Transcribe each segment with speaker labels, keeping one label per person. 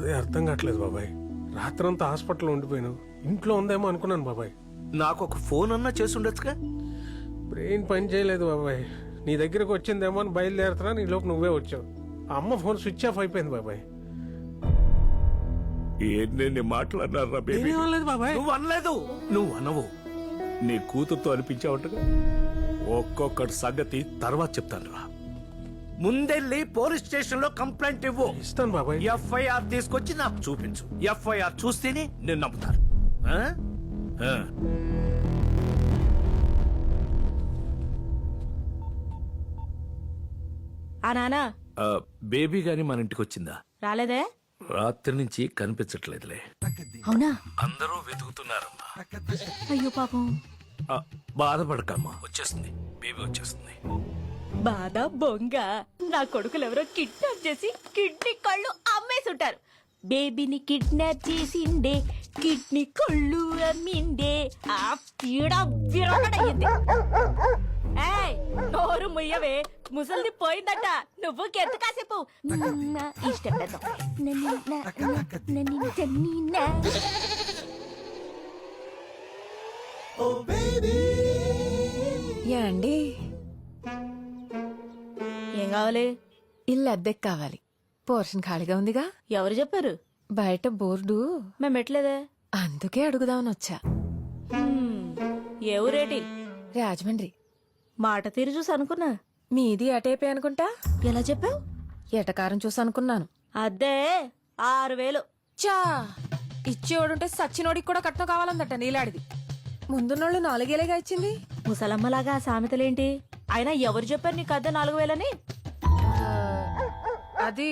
Speaker 1: అదే అర్థం కావట్లేదు బాబాయ్. రాత్రంతా హాస్పిటల్లో ఉండిపోయాను. ఇంట్లో ఉందేమో అనుకున్నాను బాబాయ్.
Speaker 2: నాకు ఒక ఫోన్ అన్నా చేసి ఉండొచ్చుగా.
Speaker 1: బ్రెయిన్ పని చేయలేదు బాబాయ్. నీ దగ్గరకు వచ్చిందేమో అని బయలుదేరుతున్నా, నీ లోపు నువ్వే వచ్చావు. ఆ అమ్మ ఫోన్ స్విచ్ ఆఫ్ అయిపోయింది బాబాయ్.
Speaker 2: ఏంటి మాట్లాడినారా బేబీ?
Speaker 1: ఏమనలేదు బాబాయ్.
Speaker 2: నువ్వు అనలేదు. నువ్వు అనవు. నీ కూతురుతో అనిపించావటగా. ఒక్కొక్కటి సంగతి తర్వాత చెప్తాను రా. ముందెళ్ళి పోలీస్ స్టేషన్ లో కంప్లైంట్ ఇవ్వు.
Speaker 1: ఇస్తాను బాబాయ్.
Speaker 2: ఎఫ్ఐఆర్ తీసుకొచ్చి నాకు చూపించు. ఎఫ్ఐఆర్ చూస్తేనే నేను నమ్ముతాను. ఆ? ఆ.
Speaker 3: ఆ నానా
Speaker 2: ఆ, బేబీ గాని మన ఇంటికి వచ్చిందా?
Speaker 3: రాలేదే?
Speaker 2: రాత్రి నుంచి కనిపించట్లేదులే.
Speaker 3: అవునా?
Speaker 2: అందరూ వెతుకుతున్నారమ్మా.
Speaker 3: అయ్యో పాపం.
Speaker 2: ఆ, బాధపడకమ్మా, వచ్చేస్తుంది. బేబీ వచ్చేస్తుంది.
Speaker 3: బాధ బొంగ. నా కొడుకులు ఎవరో కిడ్నాప్ చేసి కిడ్నీ కళ్ళు అమ్మేసుంటారు. బేబీని కిడ్నాప్ చేసిండే, కిడ్నీ కళ్ళు అమ్మిండే. ఆ పీడ విరగడయ్యింది. ఏయ్, నోరు ముయ్యవే, ముసలిది పోయిందట. నువ్వు కెత్తు కాసేపు ఇష్టం పెద్ద.
Speaker 4: యాండి,
Speaker 3: ఏం కావాలి?
Speaker 4: ఇల్లు అద్దెకి కావాలి. పోర్షన్ ఖాళీగా ఉందిగా.
Speaker 3: ఎవరు చెప్పారు?
Speaker 4: బయట బోర్డు.
Speaker 3: మేము పెట్టలేదే.
Speaker 4: అందుకే అడుగుదామని వచ్చా.
Speaker 3: ఏ ఊరేటి?
Speaker 4: రాజమండ్రి.
Speaker 3: మాట తీరు చూసి అనుకున్నా.
Speaker 4: మీది అటేపే అనుకుంటా.
Speaker 3: ఎలా చెప్పావు?
Speaker 4: ఎటకారం చూసి అనుకున్నాను.
Speaker 3: అద్దే 6000.
Speaker 4: చా, ఇచ్చేవాడుంటే సచ్చినోడికి కూడా కట్నం కావాలందట నీలాడిది. ముందున్నోళ్ళు 4,000గా ఇచ్చింది.
Speaker 3: ముసలమ్మలాగా ఆ సామెతలేంటి? అయినా ఎవరు చెప్పారు నీకు అద్దె 4000
Speaker 4: అది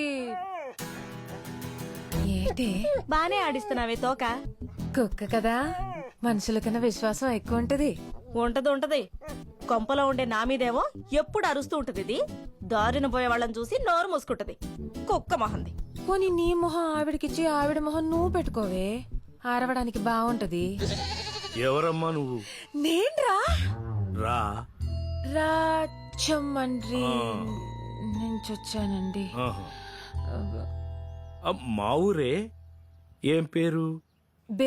Speaker 4: ఏంటి?
Speaker 3: బానే ఆడిస్తున్నావే తోక.
Speaker 4: కుక్క కదా, మనుషుల కన్నా విశ్వాసం ఎక్కువ ఉంటది.
Speaker 3: ఉంటది. కొంపలో ఉండే నా మీదేమో ఎప్పుడు అరుస్తూ ఉంటది. ఇది దారిన పోయే వాళ్ళని చూసి నోరు మూసుకుంటది. కుక్క మొహంది.
Speaker 4: పోనీ నీ మొహం ఆవిడకిచ్చి ఆవిడ మొహం నువ్వు పెట్టుకోవే, ఆరవడానికి బాగుంటది.
Speaker 2: ఎవరమ్మా నువ్వు?
Speaker 4: నేన్రా
Speaker 2: రా.
Speaker 4: రాజమండ్రి నుంచి వచ్చానండి.
Speaker 2: ఆహా. ఆ, మా ఊరే. ఏం పేరు?
Speaker 4: బే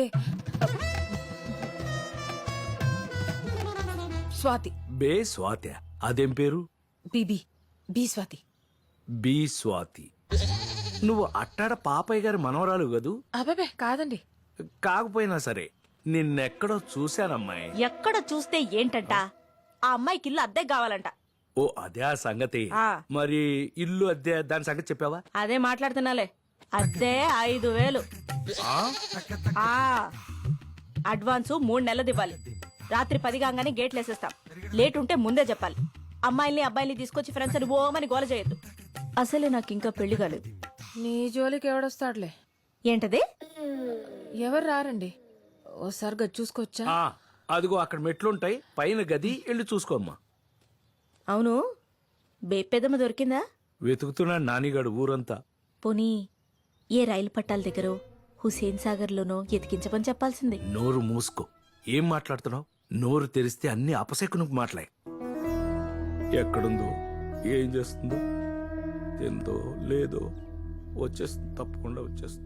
Speaker 4: స్వాతి.
Speaker 2: బే స్వాతి. అదేం పేరు?
Speaker 4: BB B Swathi.
Speaker 2: B Swathi. నువ్వు అట్టాడ పాపయ్య గారి మనవరాలు కదూ?
Speaker 4: అబ్బాబే కాదండి.
Speaker 2: కాకపోయినా సరే నిన్నెక్కడో చూశానమ్మాయి.
Speaker 3: ఎక్కడ చూస్తే ఏంటంట? ఆ అమ్మాయికి ఇల్లు అద్దె కావాలంట.
Speaker 2: ఓ అదే ఆ సంగతి.
Speaker 3: ఆ.
Speaker 2: మరి ఇల్లు అద్దె దాని సంగతి చెప్పావా?
Speaker 3: అదే మాట్లాడుతున్నాలే. అద్దె 5000. అడ్వాన్స్ 3 నెలలు ఇవ్వాలి. రాత్రి 10 కాగానే గేట్లు వేసేస్తాం. లేట్ ఉంటే ముందే చెప్పాలి. అమ్మాయిల్ని అబ్బాయిల్ని తీసుకొచ్చి ఫ్రెండ్స్ అని ఓమని గోల చేయొద్దు. అసలే నాకు ఇంకా పెళ్లి కాలేదు.
Speaker 4: నీ జోలికి ఎవడొస్తాడులే.
Speaker 3: ఏంటది?
Speaker 4: ఎవరు రారండి. ఓసారి గది చూసుకోవచ్చా?
Speaker 2: ఆ, అదిగో అక్కడ మెట్లుంటాయి, పైన గది వెళ్ళి చూసుకోమ్మా.
Speaker 3: అవును, బేపెదమ్మ దొరికిందా?
Speaker 2: వెతుకుతున్నాడు నానిగాడు ఊరంతా.
Speaker 3: పోనీ ఏ రైలు పట్టాల దగ్గర హుసేన్ సాగర్ లోనో ఎతికించమని చెప్పాల్సింది.
Speaker 2: నోరు మూసుకో. ఏం మాట్లాడుతున్నావు? నోరు తెరిస్తే అన్ని అపశకునకు మాట్లాయి. ఎక్కడుందో, ఏం చేస్తుందో, తిందో లేదో వచ్చేస్తుంది. తప్పకుండా వచ్చేస్తుంది.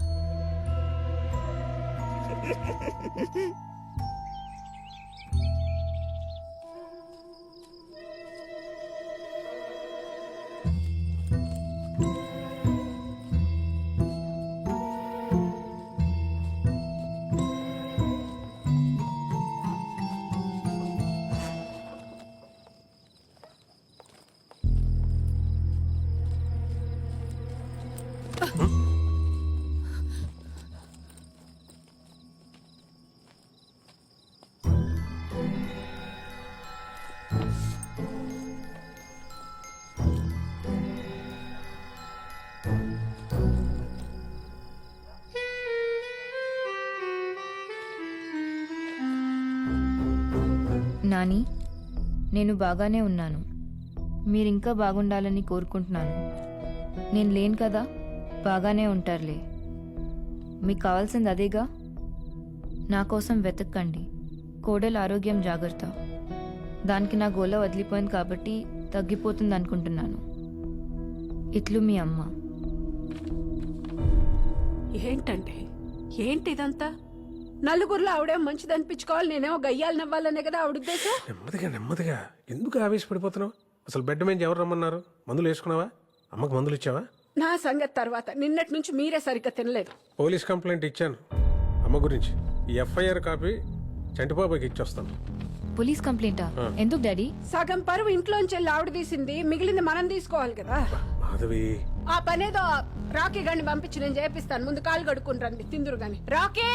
Speaker 5: నాని, నేను బాగానే ఉన్నాను. మీరింకా బాగుండాలని కోరుకుంటున్నాను. నేను లేను కదా, బాగానే ఉంటారులే. మీకు కావాల్సింది అదేగా. నా కోసం వెతక్కండి. కోడలు ఆరోగ్యం జాగ్రత్త. దానికి నా గోల వదిలిపోయింది కాబట్టి తగ్గిపోతుంది అనుకుంటున్నాను. ఇట్లు మీ అమ్మ.
Speaker 6: ఏంటంటే ఏంటి ఇదంతా నలుగురిలో ఆవిడేం మంచిది అనిపించుకోవాలి, నేనేమో గయ్యాలు నవ్వాలనే కదా ఆవిడ ఉద్దేశం.
Speaker 1: నెమ్మదిగా నెమ్మదిగా ఎందుకు ఆవేశపడిపోతున్నావు? అసలు బెడ్ మీద ఎవరు రమ్మన్నారు? మందులు వేసుకున్నావా? అమ్మకు మందులు ఇచ్చావా?
Speaker 6: నా సంగతి తర్వాత. నిన్నటి నుంచి మీరే సరిగ్గా తినలేదు.
Speaker 1: పోలీస్ కంప్లైంట్ ఇచ్చాను అమ్మ గురించి. ఈ ఎఫ్ఐఆర్ కాపీ చంటిబాబాకి ఇచ్చొస్తాను.
Speaker 5: పోలీస్ కంప్లైంటా? ఎందుకు డాడీ?
Speaker 6: సగం పరువు ఇంట్లోంచి వెళ్ళి ఆవిడ తీసింది, మిగిలింది మనం తీసుకోవాలి కదా.
Speaker 1: మాధవి,
Speaker 6: ఆ పనేదో రాకీ గండి పంపించి నేను చేపిస్తాను. ముందు కాలు కడుక్కుని రండి, తిందురు గాని. రాకీ,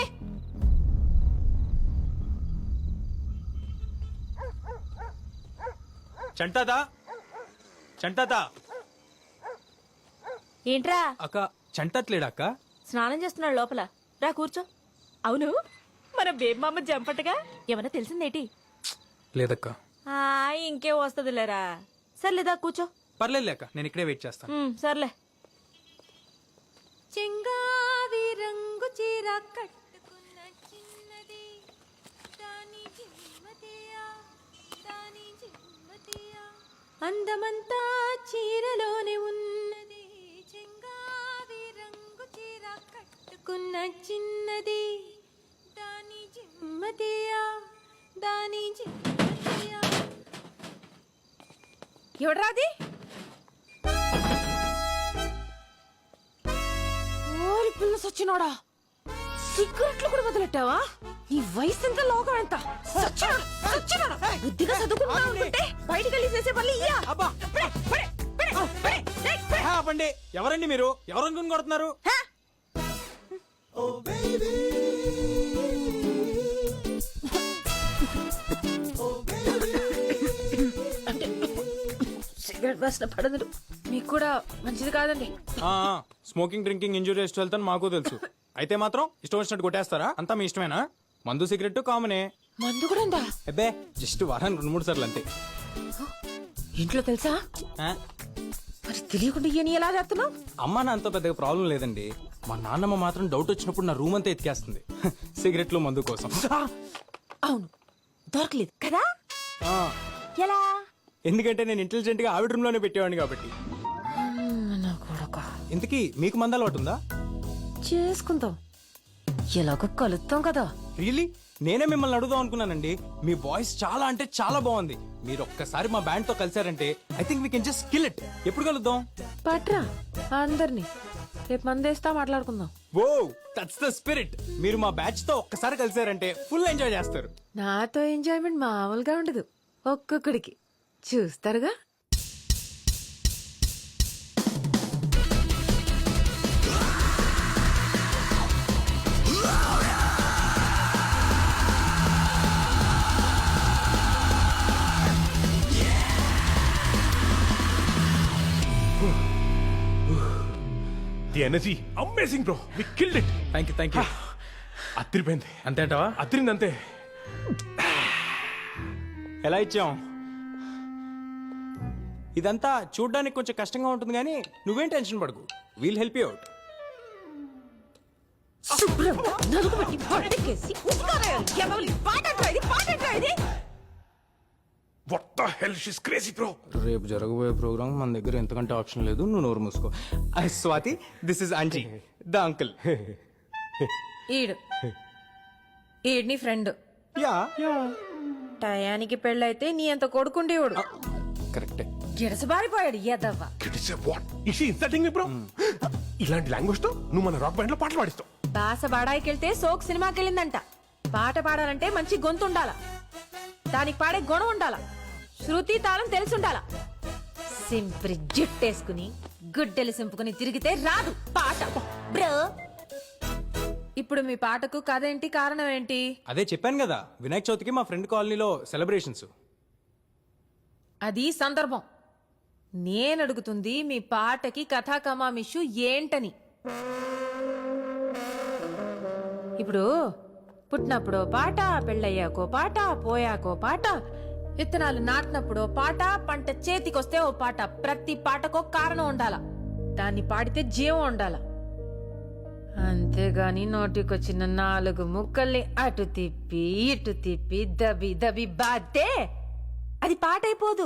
Speaker 7: చంటాదా చంటాదా
Speaker 3: ఏంట్రా
Speaker 7: అక్క చంటట్లేడా అక్క?
Speaker 3: స్నానం చేస్తున్నాడు లోపల. రా కూర్చో. అవును, మన బేబమ్మ జంపటగా ఏమన్నా తెలిసిందేటి?
Speaker 7: లేదక్క.
Speaker 3: ఇంకే వస్తుందిలేరా. సర్లేదా కూర్చో.
Speaker 7: పర్లేదు అక్క, నేను ఇక్కడే వెయిట్ చేస్తాను.
Speaker 3: సర్లే.
Speaker 4: చెంగావి రంగు చీర కట్టుకున్న చిన్నది దాని జిమ్మతియా దాని జిమ్మతియా అందమంతా చీరలోనే ఉన్నది. చెంగావి రంగు చీర కట్టుకున్న చిన్నది దాని జిమ్మతియా దాని జిమ్మతియా. ఎవడ్రాది? ఓరి పిల్ల సచ్చినోడా, సిగరెట్లు కూడా వదిలెట్టావా? నీ వయసు ఎంత, లోకం ఎంత? సచ్చినోడా, సచ్చినోడా. బుద్ధిగా చదువుకుంటున్నావు అనుకుంటే బయటికి వెళ్ళి చేసే పనులు ఇయ్యా.
Speaker 7: ఆపండి. ఎవరండి మీరు? ఎవరనుకుని కొడుతున్నారు?
Speaker 4: సిగరెట్ వాసన పడదు. మీకు కూడా మంచిది కాదండి.
Speaker 7: Smoking drinking injurious to health అని మాకు తెలుసు. అయితే మాత్రం ఇష్టం వచ్చినట్టు కొట్టేస్తారా? అంతా మీ ఇష్టమేనా? మందు సిగరెట్ కామనే.
Speaker 4: మందు కూడా ఉందా?
Speaker 7: అబ్బే, జస్ట్ వారానికి 2-3 సార్లు అంతే.
Speaker 4: ఇంట్లో తెలుసా?
Speaker 7: ఆ?
Speaker 4: మరి తెలియకుండా ఇయని ఎలా చేస్తున్నావు?
Speaker 7: అమ్మ నా అంత పెద్దగా ప్రాబ్లం లేదండి. మా నాన్నమ్మ మాత్రం డౌట్ వచ్చినప్పుడు నా రూమ్ అంతా ఎత్తికేస్తుంది సిగరెట్లు మందు కోసం.
Speaker 4: అవును, దొరకలేదు కదా.
Speaker 7: ఆ,
Speaker 4: ఎలా?
Speaker 7: ఎందుకంటే నేను ఇంటెలిజెంట్ గా ఆవిడ రూమ్ లోనే పెట్టేవాడిని కాబట్టి.
Speaker 4: నా కొడుక,
Speaker 7: ఇంతకీ మీకు మందు అలవాటు ఉందా?
Speaker 4: చేసుకుందాం, ఎలాగో కలుస్తాం కదా.
Speaker 7: రియలీ? నేనే మిమ్మల్ని అడుగుదాం అనుకున్నానండి. మీ వాయిస్ చాలా అంటే చాలా బాగుంది. మీరు ఒక్కసారి మా బ్యాండ్ తో కలిసారంటే I think we can just kill it. ఎప్పుడు కలుద్దాం?
Speaker 4: పట్రా అందరినీ, రేపు మందేస్తా మాట్లాడుకుందాం.
Speaker 7: Oh, that's the spirit. మీరు మా బ్యాచ్ తో ఒక్కసారి కలిసారంటే ఫుల్ ఎంజాయ్ చేస్తారు.
Speaker 4: నాతో ఎంజాయ్మెంట్ మామూలుగా ఉండదు. ఒక్కొక్కడికి చూస్తారుగా.
Speaker 8: The energy amazing bro, we killed it.
Speaker 7: Thank you.
Speaker 8: అత్తిరిపోయింది.
Speaker 7: అంతే అంటావా?
Speaker 8: అత్తిరింది అంతే.
Speaker 7: ఎలా ఇచ్చాం? ఇదంతా చూడ్డానికి కొంచెం కష్టంగా ఉంటుంది కానీ నువ్వేం టెన్షన్ పడకు. We'll help you out.
Speaker 3: శుభ్రంగా నలుగుబెట్టి పడకేసి ఉస్కారాయాలి. ఎవరి పాటట్రా ఇది, పాటట్రా ఇది.
Speaker 8: What the hell, she is crazy bro.
Speaker 7: రేపు జరగబోయే ప్రోగ్రామ్ మన దగ్గర ఎంతకంటే ఆప్షన్ లేదు. నువ్వు నోరు మూసుకో. Swathi, this is aunty, the uncle.
Speaker 4: ఈడ్ని ఫ్రెండ్.
Speaker 7: యా,
Speaker 4: టయానికి పెళ్ళైతే నీ అంత కొడుకుండేవాడు.
Speaker 7: కరెక్టే.
Speaker 4: గిడసబారిపోయాడు ఎదవ్వ.
Speaker 8: What is she insulting me bro? ఇలాంటి లాంగ్వేజ్ తో నువ్వు మన రాక్ బ్యాండ్ లో పాటలు పాడిస్తావు.
Speaker 4: బాస బాడాయికెళ్తే సోక్ సినిమాకి వెళ్ళిందంట. పాట పాడాలంటే మంచి గొంతు ఉండాల, దానికి పాడే గుణం ఉండాల, శృతి తాళం తెలిసి ఉండాల. సింప్రి జుట్టేసుకుని గుడ్డెలు సింపుకుని తిరిగితే రాదు పాట బ్రో. ఇప్పుడు మీ పాటకు కథ ఏంటి, కారణం ఏంటి?
Speaker 7: అదే చెప్పాను కదా, వినాయక చవితికి మా ఫ్రెండ్ కాలనీలో సెలబ్రేషన్స్.
Speaker 4: అది సందర్భం. నేను అడుగుతుంది మీ పాటకి కథా కమామిషు ఏంటని. ఇప్పుడు పుట్టినప్పుడో పాట, పెళ్ళయ్యాకో పాట, పోయాకో పాట, విత్తనాలు నాటినప్పుడో పాట, పంట చేతికొస్తే ఓ పాట. ప్రతి పాటకో కారణం ఉండాల, దాన్ని పాడితే జీవం ఉండాల. అంతేగాని నోటికొచ్చిన 4 ముక్కల్ని అటు తిప్పి ఇటు తిప్పి దబి దబి బాతే అది పాట అయిపోదు.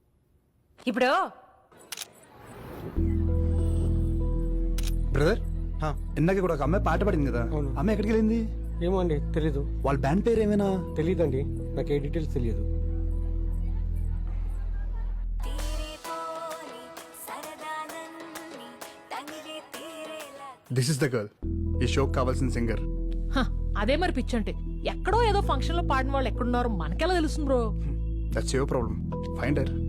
Speaker 4: ఇప్పుడు
Speaker 1: బ్రదర్,
Speaker 9: ఇందాక కూడా ఒక అమ్మాయి పాట పాడింది కదా అమ్మాయి ఎక్కడికి వెళ్ళింది?
Speaker 1: ఏమో అండి తెలీదు.
Speaker 9: వాళ్ళ బ్యాండ్ పేరు ఏమైనా?
Speaker 1: తెలీదండి, నాకు ఏ డీటెయిల్స్ తెలియదు.
Speaker 9: దిస్ ఇస్ ద గర్ల్, ఈ షోకి కావాల్సిన సింగర్.
Speaker 10: హ, అదే మరి పిచ్చంటే ఎక్కడో ఏదో ఫంక్షన్ లో పాడిన వాళ్ళు ఎక్కడున్నారో మనకెలా తెలుస్తుంది bro?
Speaker 9: That's your problem. Find her.